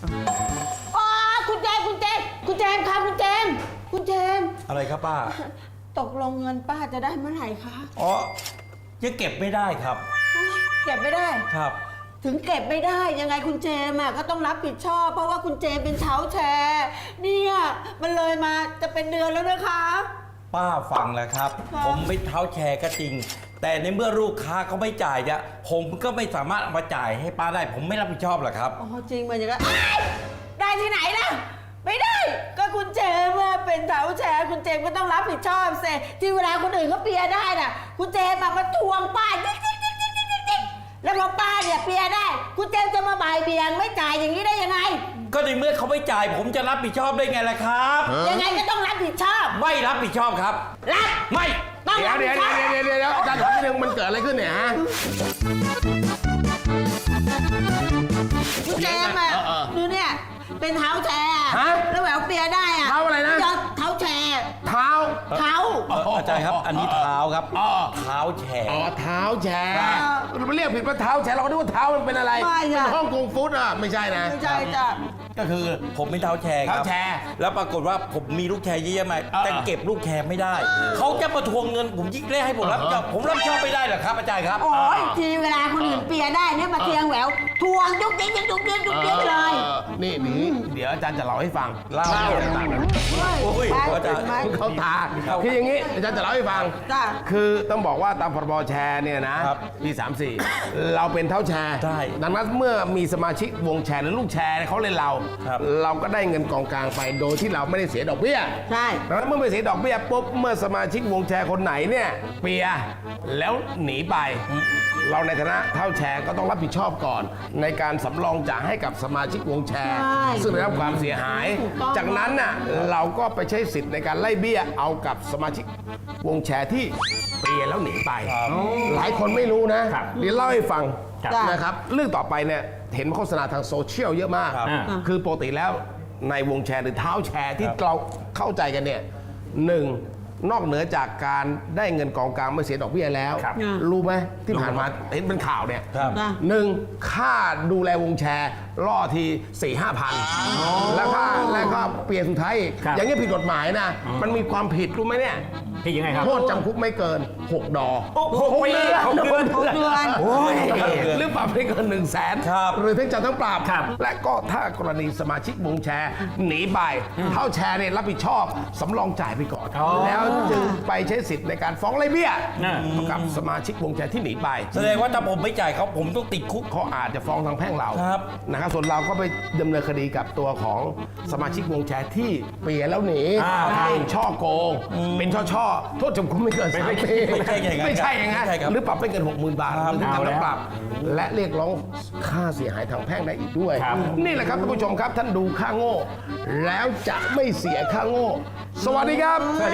อ๋อคุณแจมครับคุณแจมอะไรครับป้าตกลงเงินป้าจะได้เมื่อไหร่คะอ๋อยังเก็บไม่ได้ครับเก็บไม่ได้ครับถึงเก็บไม่ได้ยังไงคุณเจมก็ต้องรับผิดชอบเพราะว่าคุณเจมเป็นเท้าแชร์เนี่ยมันเลยมาจะเป็นเดือนแล้วนะคะป้าฟังแล้วครับผมไม่เท้าแชร์ก็จริงแต่ในเมื่อลูกค้าเขาไม่จ่ายเนี่ยผมก็ไม่สามารถเอามาจ่ายให้ป้าได้ผมไม่รับผิดชอบหรอกครับอ๋อจริงมันอย่างนั้นได้ที่ไหนล่ะไม่ได้ก็คุณเจมเป็นเท้าแชร์คุณเจมก็ต้องรับผิดชอบสิที่เวลาคนอื่นเขาเปียได้น่ะคุณเจมมาทวงป้าแล้วพอป้าเนี่ยเปียได้คุณเจมจะมาบ่ายเบี่ยงไม่จ่ายอย่างนี้ได้ยังไงก็ในเมื่อเขาไม่จ่ายผมจะรับผิดชอบได้ไงล่ะครับยังไงก็ต้องรับผิดชอบไม่รับผิดชอบครับรับไม่ต้องรับผิดชอบเดี๋ยวอาจารย์ถามนิดนึงมันเกิดอะไรขึ้นเนี่ยฮะคุณเจมดูเนี่ยเป็นเท้าแชร์แล้วแหววเปียได้เท้าอะไรนะเท้าแชร์เท้าอาจารย์ครับอันนี้เท้าครับเท้าแชร์เท้าแชร์มันเรียกผิดว่าเท้าแชร์เราก็นึกว่าเท้ามันเป็นอะไรเป็นฮ่องกงฟู้ดไม่ใช่นะไม่ใช่จ้ะก็คือผมเป็นเท้าแชร์ครับแล้วปรากฏว่าผมมีลูกแชร์เยอะๆมาแต่เก็บลูกแชร์ไม่ได้เขาจะมาทวงเงินผมยิ่งได้ให้ผมรับผิดชอบผมรับผิดชอบไม่ได้หรอครับอาจารย์ครับโอ้ยทีเวลาคนอื่นเปียได้เนี่ยมาเทียงแหววทวงยุกยิกเลยนี่เดี๋ยวอาจารย์จะเล่าให้ฟังเล่าโอ้ยอาจารย์เขาตาคืออย่างนี้อาจารย์จะเล่าให้ฟังคือต้องบอกว่าตามพรบแชร์เนี่ยนะปี34เราเป็นเท้าแชร์ดังนั้นเมื่อมีสมาชิกวงแชร์หรือลูกแชร์เขาเล่นเราก็ได้เงินกองกลางไปโดยที่เราไม่ได้เสียดอกเบี้ยใช่ดังนั้นเมื่อไม่เสียดอกเบี้ยปุ๊บเมื่อสมาชิกวงแชร์คนไหนเนี่ยเปียแล้วหนีไปเราในฐานะเท้าแชร์ก็ต้องรับผิดชอบก่อนในการสำรองจ่ายให้กับสมาชิกวงแชร์ซึ่งได้รับความเสียหายจากนั้นน่ะเราก็ไปใช้สิทธิ์ในการไล่เบี้ยเอากับสมาชิกวงแชร์ที่เปียแล้วหนีไปหลายคนไม่รู้นะเดี๋ยวเล่าให้ฟังนะครับเรื่องต่อไปเนี่ยเห็นโฆษณาทางโซเชียลเยอะมากคือปกติแล้วในวงแชร์หรือเท้าแชร์ที่เราเข้าใจกันเนี่ยหนึ่งนอกเหนือจากการได้เงินกองกลางไม่เสียดอกเบี้ยแล้วรู้ไหมที่ผ่านมาเห็นเป็นข่าวเนี่ย1ค่าดูแลวงแชร์ล่อที 4-5 พันแล้วก็เปลี่ยนสุดท้ายอย่างนี้ผิดกฎหมายนะมันมีความผิดรู้ไหมเนี่ยผิดยังไงครับโทษจำคุกไม่เกิน6 ดอ 6 ปี6 เดือนหรือปรับไม่เกิน100,000หรือทั้งจำทั้งปรับและก็ถ้ากรณีสมาชิกวงแชร์หนีไปเท้าแชร์เนี่ยรับผิดชอบสำรองจ่ายไปก่อนแล้วจึงไปใช้สิทธิ์ในการฟ้องไล่เบี้ยกับสมาชิกวงแชร์ที่หนีไปแสดงว่าถ้าผมไม่จ่ายเขาผมต้องติดคุกเขาอาจจะฟ้องทางแพ่งเรานะครับส่วนเราก็ไปดำเนินคดีกับตัวของสมาชิกวงแชร์ที่เปลี่ยนแล้วหนีเป็นช่อโกงเป็นช่อโทษจำคุกไม่เกิน3 ปีไม่ใช่อย่างนั้นหรือปรับไม่เกิน 60,000 บาทหรือทั้งจำทั้งปรับและเรียกร้องค่าเสียหายทางแพ่งได้อีกด้วยนี่แหละครับท่านผู้ชมครับท่านดูค่าโง่แล้วจะไม่เสียค่าโง่สวัสดีครับ